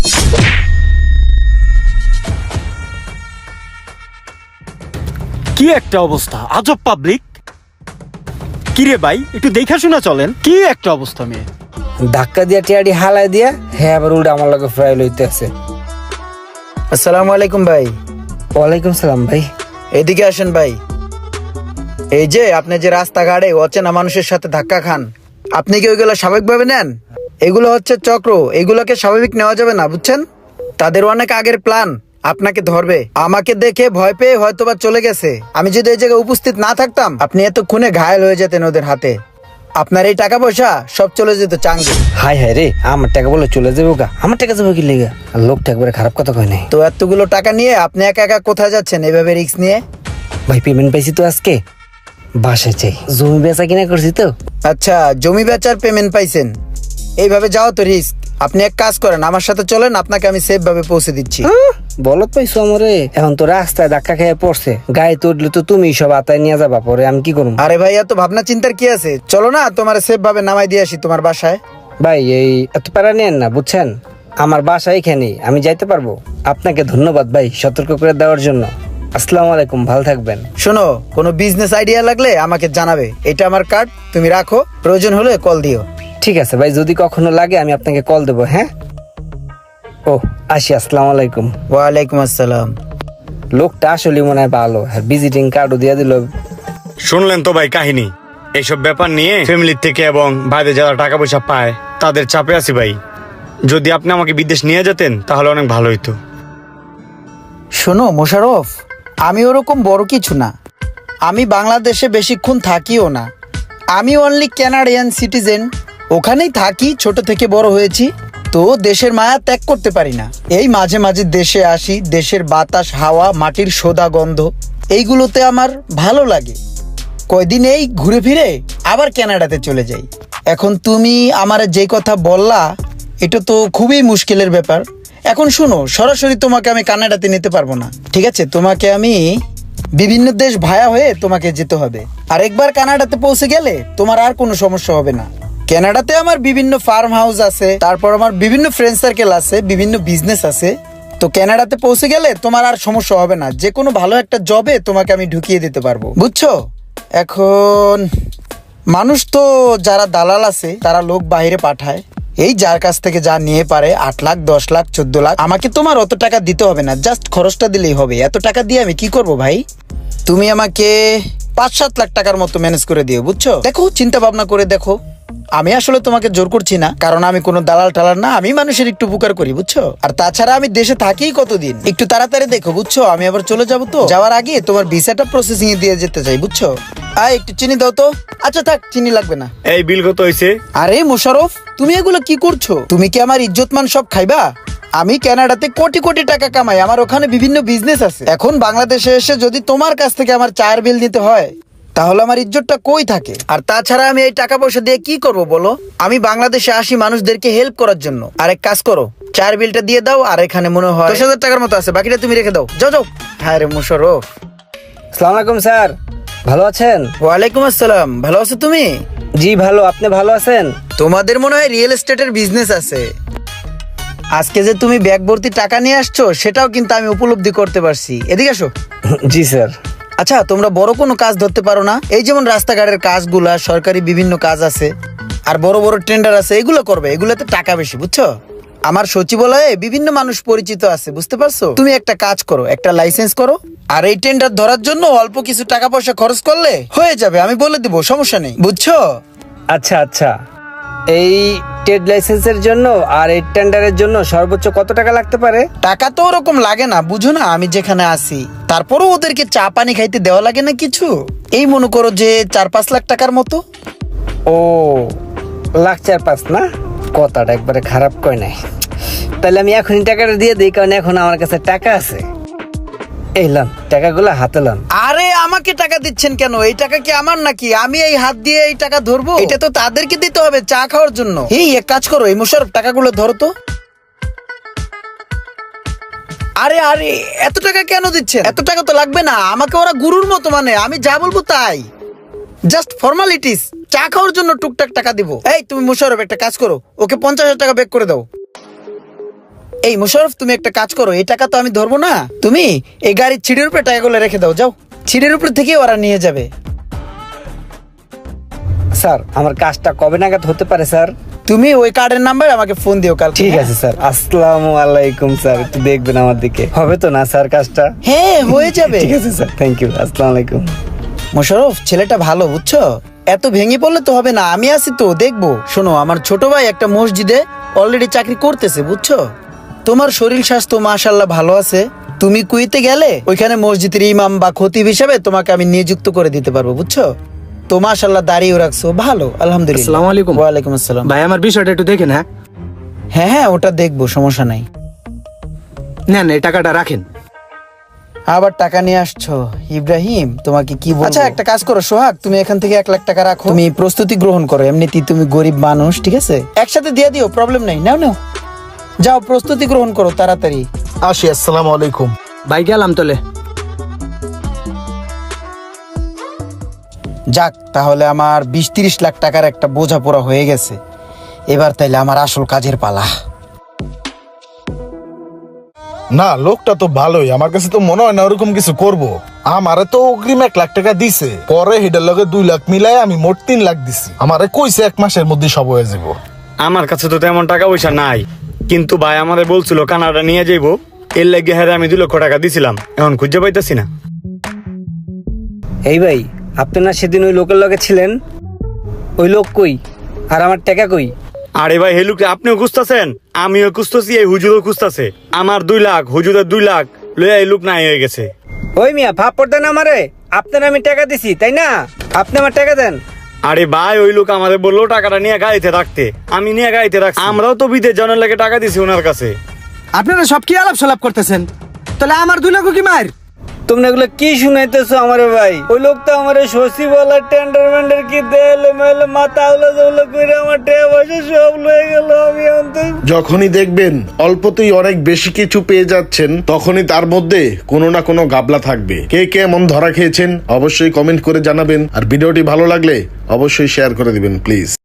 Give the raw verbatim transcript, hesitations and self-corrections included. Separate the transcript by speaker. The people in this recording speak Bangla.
Speaker 1: কি একটা অবস্থা, আজব পাবলিক। কিরে ভাই, একটু দেখা শোনা চলেন। কি একটা অবস্থা মেয়ে।
Speaker 2: ধাক্কা দিয়া টিয়াডি হালাই দিয়া হ্যাঁ আবার উল্টা আমার লগে ফ্রাই লইতে আছে।
Speaker 3: আসসালামু আলাইকুম ভাই।
Speaker 2: ওয়ালাইকুম সালাম ভাই।
Speaker 3: এদিকে আসেন ভাই। এই যে আপনি যে রাস্তাঘাটে অচেনা মানুষের সাথে ধাক্কা খান, আপনি কি ওইগুলো স্বাভাবিকভাবে নেন? এগুলো হচ্ছে চক্র, এগুলোকে স্বাভাবিক নেওয়া যাবে না, বুঝছেন? তাদের অনেক আগের প্ল্যান, আপনাকে ধরবে। আমাকে দেখে ভয় পেয়ে হয়তোবা চলে গেছে। আমি যদি এই জায়গায় উপস্থিত না থাকতাম, আপনি এতক্ষণে ঘায়েল হয়ে যেতেন ওদের হাতে। আপনার এই টাকা পয়সা সব চলে যেত চাঙ্গে।
Speaker 2: হাই হাই রে, আমার টাকা বলে চলে যাবো গা? আমার টাকা যাবো কি লেগা? আর লোকটা একবারে খারাপ কথা কয় নাই।
Speaker 3: তো এতগুলো টাকা নিয়ে আপনি একা একা কোথায় যাচ্ছেন এভাবে রিস্ক নিয়ে?
Speaker 2: ভাই পেমেন্ট পাইছি তো আজকে, বাসায় চাই। জমি বেচা কিনা করছি তো।
Speaker 3: আচ্ছা, জমি বেচার পেমেন্ট পাইছেন, এইভাবে যাও তো রিস্ক। আপনি এক কাজ করেন, আমার সাথে চলেন, আপনাকে আমি সেফ ভাবে পৌঁছে দিচ্ছি।
Speaker 2: বলত পাইছো আমারে? এখন তো রাস্তায় ধাক্কা খেয়ে পড়ছে, গায়ে তো উঠলে তো তুমি সব আতায় নিয়ে যাবা, পরে আমি কি করবো?
Speaker 3: আরে ভাই, এত ভাবনা চিন্তার কি আছে? চলো না, তোমার সেফ ভাবে নামাই দিয়ে আসি তোমার বাসায়।
Speaker 2: ভাই এই এত প্যারা নেন না, বুঝছেন? আমার বাসা এখানে, আমি যাইতে পারবো। আপনাকে ধন্যবাদ ভাই সতর্ক করে দেওয়ার জন্য। আসসালামু আলাইকুম, ভালো থাকবেন।
Speaker 3: শোনো, কোনো বিজনেস আইডিয়া লাগলে আমাকে জানাবে। এটা আমার কার্ড, তুমি রাখো, প্রয়োজন হলে কল দিও।
Speaker 2: ঠিক আছে ভাই, যদি কখনো লাগে আমি আপনাকে কল দেবো। হ্যাঁ, ও আসি। আসসালামু আলাইকুম।
Speaker 3: ওয়ালাইকুম আসসালাম।
Speaker 2: লোকটা আসলে মনে হয় ভালো, আর ভিজিটিং কার্ডও দিয়ে দিল।
Speaker 1: শুনলেন তো ভাই কাহিনী। এইসব ব্যাপার নিয়ে ফ্যামিলির থেকে এবং বাইরে যারা টাকা পয়সা পায় তাদের চাপে আছি ভাই। যদি আপনি আমাকে বিদেশ নিয়ে যেতেন তাহলে অনেক ভালো হইতো।
Speaker 3: শোনো মোশাররফ, আমি ওরকম বড় কিছু না। আমি বাংলাদেশে বেশিক্ষণ থাকিও না। আমি অনলি ক্যানাডিয়ান সিটিজেন, ওখানেই থাকি, ছোট থেকে বড় হয়েছি। তো দেশের মায়া ত্যাগ করতে পারি না। এই মাঝে মাঝে দেশে আসি, দেশের বাতাস, হাওয়া, মাটির সোদা গন্ধ, এইগুলোতে আমার ভালো লাগে। কয়দিন এই ঘুরে ফিরে আবার কানাডাতে চলে যাই। এখন তুমি আমার যে কথা বললা, এটা তো খুবই মুশকিলের ব্যাপার। এখন শুনো, সরাসরি তোমাকে আমি কানাডাতে নিতে পারবো না, ঠিক আছে? তোমাকে আমি বিভিন্ন দেশ ভায়া হয়ে তোমাকে যেতে হবে। আর একবার কানাডাতে পৌঁছে গেলে তোমার আর কোনো সমস্যা হবে না। কানাডাতে আমার বিভিন্ন ফার্ম হাউস আছে, তারপর আমার বিভিন্ন ফ্রেন্ড সার্কেল আছে, বিভিন্ন বিজনেস আছে। তো কানাডাতে পৌঁছে গেলে তোমার আর সমস্যা হবে না। যে কোনো ভালো একটা জবে তোমাকে আমি ঢুকিয়ে দিতে পারবো, বুঝছো? এখন মানুষ তো যারা দালাল আছে তারা লোক বাইরে পাঠায়, এই যার কাছ থেকে যা নিয়ে পারে, আট লাখ দশ লাখ চোদ্দ লাখ। আমাকে তোমার অত টাকা দিতে হবে না, জাস্ট খরচটা দিলেই হবে। এত টাকা দিয়ে আমি কি করব ভাই? তুমি আমাকে পাঁচ সাত লাখ টাকার মতো ম্যানেজ করে দিও, বুঝছো? দেখো, চিন্তা ভাবনা করে দেখো। আমি আসলে তোমাকে জোর করছি না, কারণ আমি কোনো দালাল টালাল না। আমি মানুষের একটু উপকার করি, বুঝছো? আর তাছাড়া আমি দেশে থাকি কতদিন, একটু তাড়াতাড়ি দেখো, বুঝছো? আমি আবার চলে যাবো, তো যাওয়ার আগে তোমার ভিসাটা প্রসেসিং এ দিয়ে যেতে চাই, বুঝছো? আয়, একটু চিনি দাও তো। আচ্ছা থাক, চিনি লাগবে না।
Speaker 1: এই বিল কত হয়েছে?
Speaker 3: আরে মোশাররফ, তুমি এগুলো কি করছো? তুমি কি আমার ইজ্জত মান সব খাইবা? আমি কানাডাতে কোটি কোটি টাকা কামাই, আমার ওখানে বিভিন্ন বিজনেস আছে। এখন বাংলাদেশে এসে যদি তোমার কাছ থেকে আমার চায়ের বিল নিতে হয়, তাহলে আমার ইজ্জতটা কই থাকে? আর তাছাড়া আমি এই টাকা পয়সা দিয়ে কি করব বলো? আমি বাংলাদেশে আসি মানুষদেরকে হেল্প করার জন্য। আর এক কাজ করো, চায়ের বিলটা দিয়ে দাও। আর এখানে মনে হয় দশ হাজার টাকার মতো আছে, বাকিটা তুমি রেখে দাও। যাও যাও। হ্যাঁ রে মোশাররফ।
Speaker 2: আসসালামু আলাইকুম স্যার, ভালো আছেন?
Speaker 3: ওয়ালাইকুম আসসালাম। ভালো আছো তুমি?
Speaker 2: জি ভালো, আপনি ভালো আছেন?
Speaker 3: তোমাদের মনে হয় রিয়েল এস্টেটের বিজনেস আছে। আজকে যে তুমি ব্যাগ ভর্তি টাকা নিয়ে আসছো, সেটাও কিন্তু আমি উপলব্ধি করতে পারছি। এদিকে আসো।
Speaker 2: জি স্যার।
Speaker 3: আচ্ছা, তোমরা বড় কোনো কাজ ধরতে পারো না? এই যেমন রাস্তাঘাটের কাজগুলা, সরকারি বিভিন্ন কাজ আছে, আর বড় বড় টেন্ডার আছে, এগুলো করবে। এগুলোতে টাকা বেশি, বুঝছো? আমার সচিবালয়ে বিভিন্ন মানুষ পরিচিত আছে, বুঝতে পারছো? তুমি একটা কাজ করো, একটা লাইসেন্স করো, আর এই টেন্ডার ধরার জন্য অল্প কিছু টাকা পয়সা খরচ করলে হয়ে যাবে। আমি বলে দিব, সমস্যা নেই, বুঝছো?
Speaker 2: আচ্ছা আচ্ছা, এই ট্রেড লাইসেন্সের জন্য আর এই টেন্ডারের জন্য সর্বোচ্চ কত টাকা লাগতে পারে?
Speaker 3: টাকা তো ওরকম লাগে না, বুঝো না? আমি যেখানে আসি, তারপরও ওদেরকে চা পানি খাইতে দেওয়া লাগে না কিছু। এই মনে করো যে চার পাঁচ লাখ টাকার মতো।
Speaker 2: ও, লাখ চার পাঁচ না? কথাটা একবারে খারাপ কয় নাই। তাহলে আমি এখনই টাকাটা দিয়ে দিই, কারণ এখন আমার কাছে টাকা আছে। এই লন, টাকাগুলো হাতে লন।
Speaker 3: আরে আমাকে টাকা দিচ্ছেন কেন? এই টাকা কি আমার নাকি? আমি এই হাত দিয়ে এই টাকা ধরবো? এটা তো তাদেরকে দিতে হবে চা খাওয়ার জন্য। এই এক কাজ করো, এই মোশাররফ, টাকাগুলো ধরো তো। আরে আরে, এত টাকা কেন দিচ্ছেন? এত টাকা তো লাগবে না। আমাকে ওরা গুরুর মতো মানে, আমি যা বলবো তাই। জাস্ট ফর্মালিটিস, চা খাওয়ার জন্য টুকটাক টাকা দিব। এই তুমি মোশাররফ, একটা কাজ করো, ওকে পঞ্চাশ হাজার টাকা ব্যাক করে দাও। এই মোশাররফ, তুমি একটা কাজ করো, এই টাকা তো আমি ধরবো না, তুমি এই গাড়ির ছিঁড়ের উপরে টাকাগুলো রেখে দাও, যাও। ছিঁড়ের উপর থেকে ওরা নিয়ে যাবে।
Speaker 2: স্যার আমার কাজটা কবে নাগাদ হতে পারে স্যার?
Speaker 3: তুমি ওই কার্ডের নাম্বার আমাকে ফোন দিও কাল।
Speaker 2: ঠিক আছে স্যার। আসসালামু আলাইকুম স্যার, একটু দেখবেন আমার দিকে, হবে তো না স্যার কাজটা?
Speaker 3: হ্যাঁ, হয়ে যাবে।
Speaker 2: ঠিক আছে স্যার, থ্যাংক ইউ, আসসালামু আলাইকুম।
Speaker 3: মোশাররফ, ছেলেটা ভালো, বুঝছো? এত ভেঙে পড়লে তো হবে না, আমি আছি তো, দেখবো। শোনো, আমার ছোট ভাই একটা মসজিদে অলরেডি চাকরি করতেছে, বুঝছো? তোমার শরীর স্বাস্থ্য মাশাআল্লাহ ভালো আছে, তুমি কুইতে গেলে ওইখানে মসজিদের ইমাম বা খতিব হিসাবে তোমাকে আমি নিযুক্ত করে দিতে পারবো, বুঝছো? তো মাশাআল্লাহ দাঁড়িয়ে রাখছো, ভালো, আলহামদুলিল্লাহ।
Speaker 4: আসসালামু আলাইকুম।
Speaker 3: ওয়ালাইকুম আসসালাম।
Speaker 4: ভাই আমার বিষয়টা একটু দেখেন। হ্যাঁ
Speaker 3: হ্যাঁ হ্যাঁ, ওটা দেখবো, সমস্যা নাই।
Speaker 4: নেন, এই টাকাটা রাখেন।
Speaker 3: আবার টাকা নিয়ে আসছো ইব্রাহিম, তোমাকে কি বলবো? আচ্ছা একটা কাজ করো সোহাগ, তুমি এখান থেকে এক লাখ টাকা রাখো, তুমি প্রস্তুতি গ্রহণ করো, এমনিতেই তুমি গরিব মানুষ, ঠিক আছে? একসাথে দিয়ে দিও, প্রবলেম নাই, নাও নাও, যাও প্রস্তুতি গ্রহণ করো তাড়াতাড়ি।
Speaker 5: আসি, আসসালামু আলাইকুম।
Speaker 4: ভাই গেলাম তলে।
Speaker 3: যাক, তাহলে আমার বিশ তিরিশ লাখ টাকার একটা বোঝাপড়া হয়ে গেছে। এবার তাইলে আমার আসল কাজের পালা।
Speaker 5: না, লোকটা তো ভালোই, আমার কাছে তো মনে হয় না ওরকম কিছু করব। আমারে তো অগ্রিম এক লাখ টাকা দিছে, পরে হেডের লগে দুই লাখ মিলাই আমি মোট তিন লাখ দিছি। আমারে কইছে এক মাসের মধ্যে সব হয়ে যাবো।
Speaker 1: আমার কাছে তো তেমন টাকা পয়সা নাই, কিন্তু ভাই আমাদের বলছিল কানাডা নিয়ে যাইবো, এর লাগে হ্যাঁ আমি দুই লক্ষ টাকা দিছিলাম, এখন খুঁজে পাইতেছি না।
Speaker 2: এই ভাই, আপনি না সেদিন ওই লোকের লগে ছিলেন, ওই লোক কই আর আমার টাকা কই?
Speaker 1: আরে ভাই হেলুকে আপনিও খুঁজতেছেন, আমিও খুঁজতেছি, এই হুজুরও খুঁজতেছে। আমার দুই লাখ, হুজুরের দুই লাখ লইয়া এই লোক নাই হয়ে গেছে।
Speaker 2: ওই মিয়া ভাব পড়তেন আমারে, আপনার আমি টাকা দিছি তাই না? আপনি আমার টাকা দেন।
Speaker 1: আরে ভাই ওই লোক আমাদের বললো টাকাটা নিয়ে গাড়িতে রাখতে, আমি নিয়ে গাড়িতে রাখছি। আমরাও তো বিদেশ জানার লাগে টাকা দিছি ওনার কাছে।
Speaker 4: আপনারা সব কি আলাপ সালাপ করতেছেন? তাহলে আমার দুই লাখ কি মার?
Speaker 2: তোমরা এগুলো কি শুনাইতেছো আমারে ভাই? ওই লোক তো আমারে শশী বলা টেন্ডার মেন্ডার কি দেলে মেলে মাথা উলা জউলা কইরা আমার টাকা পয়সা সব লয়ে গেল। আমি অন্তত
Speaker 6: যখনই দেখবেন অল্পতেই অনেক বেশি কিছু পেয়ে যাচ্ছেন, তখনই তার মধ্যে কোনো না কোনো গাবলা থাকবে। কে কে এমন ধরা খেয়েছেন অবশ্যই কমেন্ট করে জানাবেন, আর ভিডিওটি ভালো লাগলে অবশ্যই শেয়ার করে দিবেন প্লিজ।